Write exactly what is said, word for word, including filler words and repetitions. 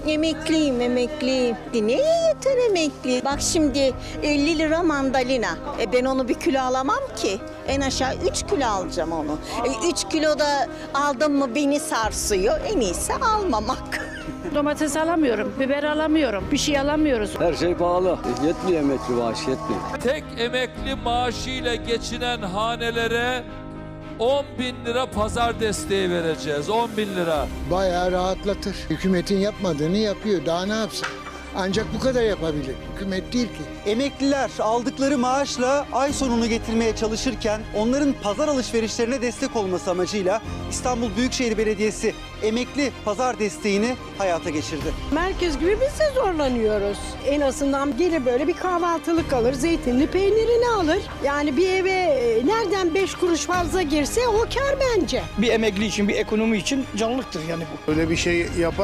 Emekliyim, emekli. Neye yeter emekli? Bak şimdi elli lira mandalina. E ben onu bir kilo alamam ki. En aşağı üç kilo alacağım onu. E üç kilo da aldım mı beni sarsıyor. En iyisi almamak. Domates alamıyorum, biber alamıyorum, bir şey alamıyoruz. Her şey pahalı. Yetmiyor emekli maaşı, yetmiyor. Tek emekli maaşıyla geçinen hanelere on bin lira pazar desteği vereceğiz. on bin lira. Bayağı rahatlatır. Hükümetin yapmadığını yapıyor. Daha ne yapsın? Ancak bu kadar yapabilir. Hükümet değil ki. Emekliler aldıkları maaşla ay sonunu getirmeye çalışırken onların pazar alışverişlerine destek olması amacıyla İstanbul Büyükşehir Belediyesi emekli pazar desteğini hayata geçirdi. Merkez gibi biz de zorlanıyoruz. En azından gelir böyle bir kahvaltılık alır, zeytinli peynirini alır. Yani bir eve e, nereden beş kuruş fazla girse o kar bence. Bir emekli için, bir ekonomi için canlıktır yani bu. Öyle bir şey yapar.